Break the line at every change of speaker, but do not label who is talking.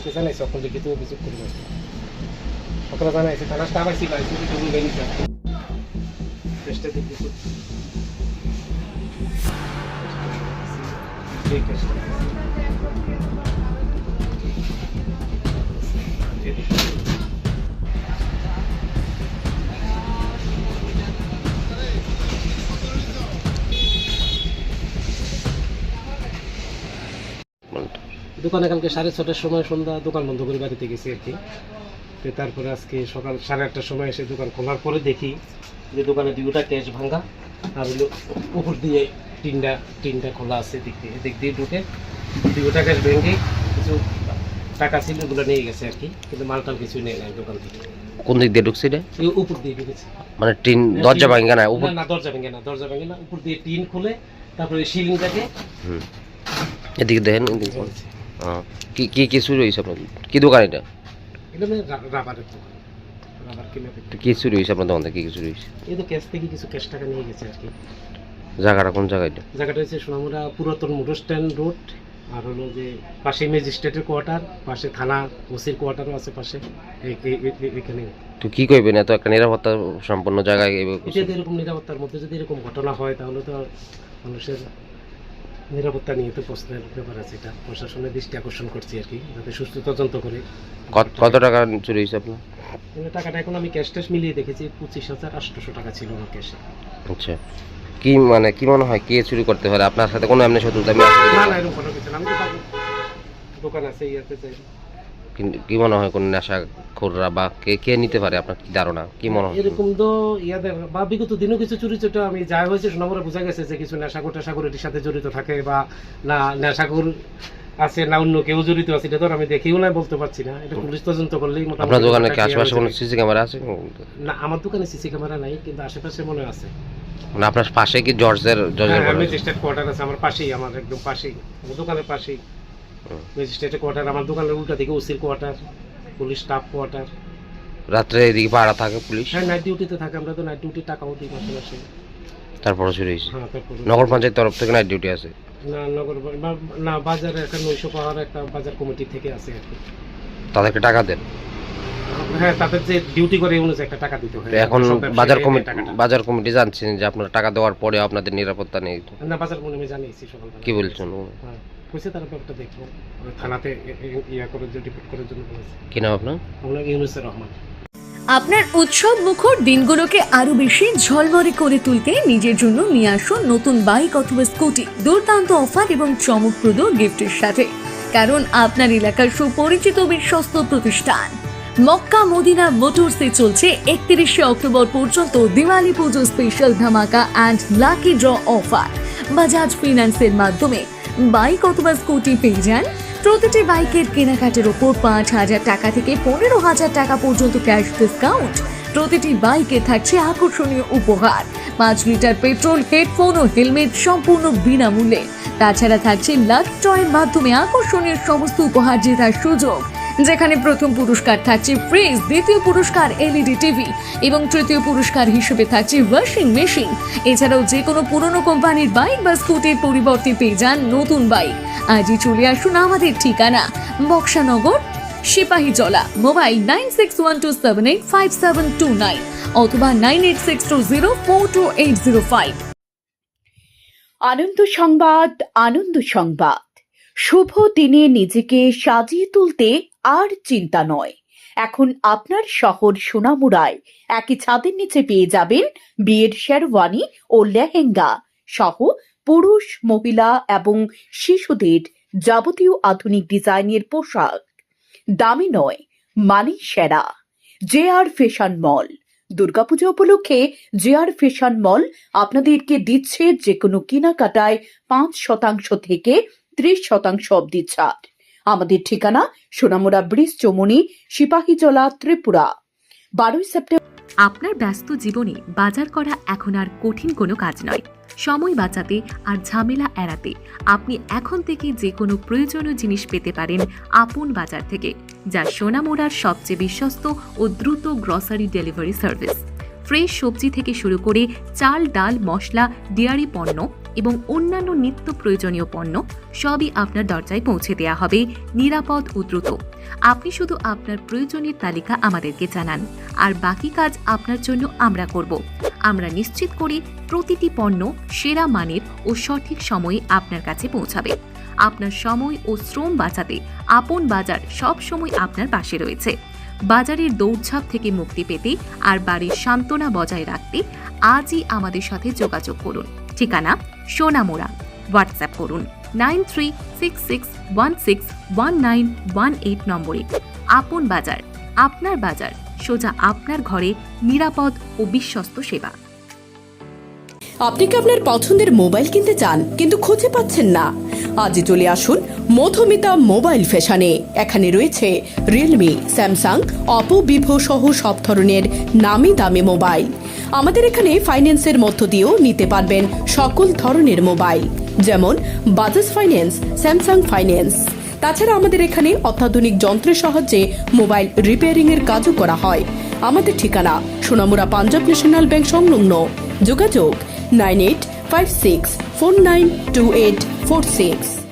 আজকে জানাইছে এখন লিখিত অভিযোগ করবো সকালে জানাইছে থানা স্টাফ আইসি গাইছে তুমি গেলিছে চেষ্টা দেখতেছি ঠিক আছে দোকানে কালকে 6:30টার সময় সন্ধ্যা দোকান বন্ধ করে বাড়িতে গেছি আর কি। তো তারপরে আজকে সকাল 8:30টার সময় এসে দোকান খোলার পরে দেখি যে দোকানে দুটা ক্যাশ ভাঙা আর হলো উপর দিয়ে টিনটা খোলা আছে দিক দিয়ে ঢুকে দুটা ক্যাশ ভেঙে কিছু টাকা ছিল ওগুলো নিয়ে গেছে আর কি, কিন্তু মালটাল কিছুই নেই নাই দোকান থেকে।
কোন দিক দিয়ে ঢুকছে রে?
উপর দিয়ে ঢুকেছে,
মানে টিন দরজা ভাঙা না? উপর
না, দরজা ভাঙে না, উপর দিয়ে টিন খুলে তারপরে সিলিংটাকে
এদিকে দেখেন। কি কি কি চুরি হয়েছে আপনার? কি দোকান এটা?
এটা মানে রাবারের দোকান, রাবার কিনে।
কি চুরি হয়েছে আপনার দোকান থেকে? কি চুরি হয়েছে?
এই তো ক্যাশ থেকে কিছু ক্যাশ টাকা নিয়ে গেছে আর কি।
জায়গাটা কোন জায়গায়?
জায়গাটা হচ্ছে সোনামুড়া পুরাতন মোটর স্ট্যান্ড রোড, আর হলো যে পাশে ম্যাজিস্ট্রেটের কোয়ার্টার, পাশে থানা ওসির কোয়ার্টারও আছে পাশে এখানে।
তো কি কইবেন, এত একটা নিরাপত্তা সম্পন্ন জায়গায়
যদি এরকম নিরাপত্তার মধ্যে যদি এরকম ঘটনা হয় তাহলে তো মানুষের নিরাপত্তা নিয়ে তো প্রশ্নের ব্যাপার আছে। এটা প্রশাসনের দৃষ্টি আকর্ষণ করছি আর কি, যাতে সুষ্ঠু তদন্ত করে।
কত টাকা চুরি হয়েছে আপনার?
টাকাটা এখন আমি ক্যাশ ট্যাশ মিলিয়ে দেখেছি 25,800 টাকা ছিল আমার ক্যাশে।
আচ্ছা, কি মানে কি মনে হয় কে চুরি করতে পারে? আপনার সাথে কোনো এমনি শত্রুতা আছে?
না না, এরকম কোনো কিছু না, আমি তো দোকান আছে ইয়াতে যাই।
কিন্তু কি মনে হয় কোন নেশাখোররা বা কে নিতে পারে? আপনার কি ধারণা, কি মনে হয়?
এরকম তো ইয়াদের বা বিগত দিনও কিছু চুরি চোটা আমি যা হয়েছে সোনামুড়া বোঝা গেছে যে কিছু নেশাখোর এটির সাথে জড়িত থাকে, বা না নেশাখোর আছে না অন্য কেউ জড়িত আছে, এটা তো আমি দেখিও না, বলতে পারছি না। এটা পুলিশ তদন্ত করলেই মোটামুটি।
আপনার দোকানে কি আশেপাশে কোনো সিসি ক্যামেরা আছে?
না, আমার দোকানে সিসি ক্যামেরা নাই, কিন্তু আশেপাশে মনে আছে।
মানে আপনার পাশে কি জর্জের
ম্যাজিস্ট্রেট কোয়ার্টার আছে আমার পাশেই, আমার একদম পাশেই, আমার দোকানের পাশেই ম্যাজিস্ট্রেটের কোয়ার্টার, আমার দোকানের উল্টা দিকে ওসির কোয়ার্টার, পুলিশ স্টাফ কোয়ার্টার।
রাত্রে এদিকে পাহারা থাকে পুলিশ?
হ্যাঁ, নাইট ডিউটিতে থাকে, আমরা তো নাইট ডিউটি টাকাও দিই মাসে মাসে।
তারপরে চুরি হয়েছে?
হ্যাঁ, তারপরে
নগর পঞ্চায়েত তরফ থেকে নাইট ডিউটি আছে?
না, নগর না, বাজারে একটা 900 পাহাড় একটা বাজার কমিটি থেকে আছে আর কি।
তাদেরকে টাকা দেন?
হ্যাঁ, তাদের যে ডিউটি করে অনুযায়ী একটা টাকা দিতে হয়।
এখন বাজার কমিটি জানছেন যে আপনারা টাকা দেওয়ার পরে আপনাদের নিরাপত্তা নেই?
না, বাজার কমিটি আমি জানিয়েছি সকালবেলা।
কি বলছেন?
হ্যাঁ, কইছে তারা ব্যাপারটা দেখবো, থানাতে ইয়া করে যে রিপোর্ট করার জন্য বলেছে।
কি নাম আপনার?
আমরা ইউনুসের রহমান।
আপনার উৎসব মুখর দিনগুলোকে আরো বেশি ঝলমলে করে তুলতে নিজের জন্য নিয়ে আসুন নতুন বাইক অথবা স্কুটি, দুর্দান্ত অফার এবং চমকপ্রদ গিফটের সাথে। কারণ আপনার এলাকার সুপরিচিত বিশ্বস্ত প্রতিষ্ঠান মক্কা মদিনা মোটরসে চলছে 31শে অক্টোবর পর্যন্ত দিওয়ালি পুজো স্পেশাল ধামাকা and lucky draw offer. Bajaj ফিন্যান্সের মাধ্যমে বাইক অথবা স্কুটি পেয়ে যান প্রতিটি বাইকের কেনাকাটার ওপর 5,000 টাকা থেকে 15,000 টাকা পর্যন্ত ক্যাশ ডিসকাউন্ট। প্রতিটি বাইকে থাকছে আকর্ষণীয় উপহার, 5 লিটার পেট্রোল, হেডফোন ও হেলমেট সম্পূর্ণ বিনামূল্যে। তাছাড়া থাকছে লাকি ড্রয়ের মাধ্যমে আকর্ষণীয় সমস্ত উপহার জেতার সুযোগ, যেখানে প্রথম পুরস্কার থাকছে ফ্রিজ, দ্বিতীয় পুরস্কার এলইডি টিভি এবং তৃতীয় পুরস্কার হিসেবে থাকছে ওয়াশিং মেশিন। এছাড়াও যে কোনো পুরনো কোম্পানির বাইক বা স্কুটির পরিবর্তে পেয়ে যান নতুন বাইক। আজই চলে আসুন আমাদের ঠিকানা বক্সানগর, সিপাহীজলা। মোবাইল 9612785729 অথবা 9862042805।
আনন্দ সংবাদ, আনন্দ সংবাদ। শুভ দিনে নিজেকে সাজিয়ে তুলতে আর চিন্তা নয়। এখন আপনার শহর সোনামুড়ায় একই ছাদের নিচে পেয়ে যাবেন বিয়ের শেরওয়ানি ও লেহেঙ্গা সহ পুরুষ, মহিলা এবং শিশুদের যাবতীয় আধুনিক ডিজাইনের পোশাক। দামি নয়, মানে সেরা। জেআর ফ্যাশন মল। দুর্গাপূজা উপলক্ষে জেআর ফ্যাশন মল আপনাদেরকে দিচ্ছে যে কোনো কেনাকাটায় 5% থেকে 30% অবধি ছাড়। আমাদের ঠিকানা সোনামুড়া ব্রিজ, চৌমুহনী, সিপাহীজলা, ত্রিপুরা। 12 সেপ্টেম্বর।
আপনার ব্যস্ত জীবনে বাজার করা এখন আর কঠিন কোনো কাজ নয়। সময় বাঁচাতে আর ঝামেলা এড়াতে আপনি এখন থেকে যে কোনো প্রয়োজনীয় জিনিস পেতে পারেন আপন বাজার থেকে, যা সোনামুড়ার সবচেয়ে বিশ্বস্ত ও দ্রুত গ্রসারি ডেলিভারি সার্ভিস। ফ্রেশ সবজি থেকে শুরু করে চাল, ডাল, মশলা, ডেয়ারি পণ্য, এবং অন্যান্য নিত্য প্রয়োজনীয় পণ্য সবই আপনার দরজায় পৌঁছে দেওয়া হবে নিরাপদ ও দ্রুত। আপনি শুধু আপনার প্রয়োজনের তালিকা আমাদেরকে জানান, আর বাকি কাজ আপনার জন্য আমরা করব। আমরা নিশ্চিত করি প্রতিটি পণ্য সেরা মানের ও সঠিক সময়ে আপনার কাছে পৌঁছাবে। আপনার সময় ও শ্রম বাঁচাতে আপন বাজার সব সময় আপনার পাশে রয়েছে। বাজারের দৌড়ঝাঁপ থেকে মুক্তি পেতে আর বাড়ির সান্ত্বনা বজায় রাখতে আজই আমাদের সাথে যোগাযোগ করুন। ঠিকানা সোনামুড়া। হোয়াটসঅ্যাপ করুন 9366161918 নম্বরে। আপন বাজার, আপনার বাজার, সোজা আপনার ঘরে, নিরাপদ ও বিশ্বস্ত সেবা।
আপনি কি আপনার পছন্দের মোবাইল কিনতে চান কিন্তু খুঁজে পাচ্ছেন না? আজই চলে আসুন মধুমিতা মোবাইল ফ্যাশনে। এখানে রয়েছে রিয়েলমি, স্যামসাং, অপো, ভিভো সহ সব ধরনের নামি দামি মোবাইল। আমাদের এখানে ফাইন্যান্সের মধ্য দিয়েও নিতে পারবেন সকল ধরনের মোবাইল, যেমন বাজাজ ফাইন্যান্স, স্যামসাং ফাইন্যান্স। তাছাড়া আমাদের এখানে অত্যাধুনিক যন্ত্রের সাহায্যে মোবাইল রিপেয়ারিং এর কাজও করা হয়। আমাদের ঠিকানা সোনামুড়া পাঞ্জাব ন্যাশনাল ব্যাংক সংলগ্ন। যোগাযোগ 9856492846।